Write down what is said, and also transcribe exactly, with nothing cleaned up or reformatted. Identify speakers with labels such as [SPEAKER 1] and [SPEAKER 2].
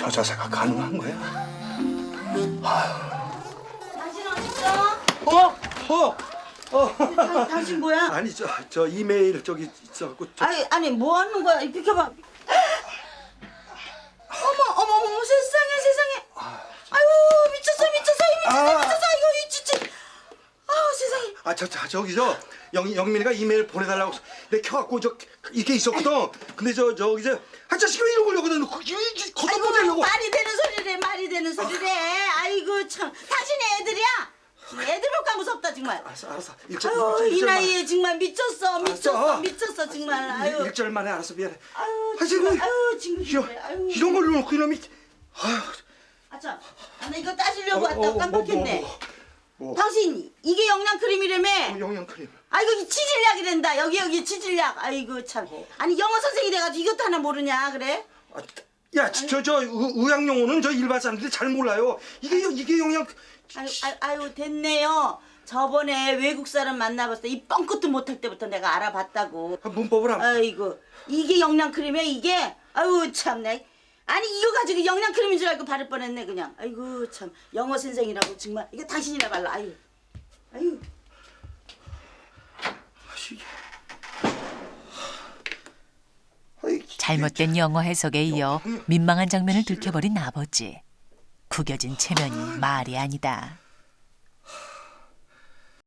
[SPEAKER 1] 저 자세가 가능한 거야?
[SPEAKER 2] 당신 어딨어?
[SPEAKER 1] 어? 어? 어?
[SPEAKER 2] 당, 당신 뭐야?
[SPEAKER 1] 아니 저, 저 이메일 저기 있어갖고 저...
[SPEAKER 2] 아니 아니 뭐 하는 거야? 이 비켜봐. 어머 어머 어머 세상에 세상에. 아유 미쳤어 미쳤어 미쳤어
[SPEAKER 1] 아.
[SPEAKER 2] 미쳤어 이거 이 진짜. 아우 세상에.
[SPEAKER 1] 아, 저, 저, 저기 저 영, 영민이가 이메일 보내달라고 내 켜갖고 저 이렇게 있었거든. 근데 저 저기 저 한 자식이 왜 이런 걸 여기다 놓고
[SPEAKER 2] 아이고
[SPEAKER 1] 걷어보내려고.
[SPEAKER 2] 말이 되는 소리래 말이 되는 소리래. 아이고 참 당신이 애들이야? 애들 볼까 무섭다 정말.
[SPEAKER 1] 알았어, 알았어. 일절,
[SPEAKER 2] 아유
[SPEAKER 1] 일절,
[SPEAKER 2] 이
[SPEAKER 1] 일절만.
[SPEAKER 2] 나이에 정말 미쳤어 미쳤어
[SPEAKER 1] 알았어.
[SPEAKER 2] 미쳤어 정말.
[SPEAKER 1] 일-
[SPEAKER 2] 아유
[SPEAKER 1] 일절 만에 알았어, 미안해.
[SPEAKER 2] 아유
[SPEAKER 1] 아,
[SPEAKER 2] 정말
[SPEAKER 1] 지금
[SPEAKER 2] 아유 지금
[SPEAKER 1] 이런,
[SPEAKER 2] 아유
[SPEAKER 1] 이런 걸 놓고 이놈이. 아유.
[SPEAKER 2] 아참 나 이거 따지려고
[SPEAKER 1] 어,
[SPEAKER 2] 왔다
[SPEAKER 1] 어, 뭐,
[SPEAKER 2] 깜빡했네.
[SPEAKER 1] 뭐, 뭐, 뭐.
[SPEAKER 2] 당신 이게 영양 크림이라며?
[SPEAKER 1] 어, 영양크림.
[SPEAKER 2] 아이고 이 치질약이란다. 여기 여기 치질약. 아이고 참. 아니 영어 선생이 돼가지고 이것도 하나 모르냐 그래?
[SPEAKER 1] 아, 야, 저, 저, 의- 의학 용어는 저 일반 사람들이 잘 몰라요. 이게, 이게 영양.
[SPEAKER 2] 아유, 아유, 아유 됐네요. 저번에 외국 사람 만나봤을 때 이 뻥끗도 못할 때부터 내가 알아봤다고.
[SPEAKER 1] 아, 문법을 안.
[SPEAKER 2] 아이고 이게 영양 크림이야 이게? 아유 참내. 아니 이거 가지고 영양 크림인 줄 알고 바를 뻔했네 그냥. 아이고 참 영어 선생이라고 정말 이거 당신이나 발라. 아유, 아유.
[SPEAKER 3] 잘못된 영어 해석에 이어 민망한 장면을 들켜버린 아버지. 구겨진 체면이 말이 아니다.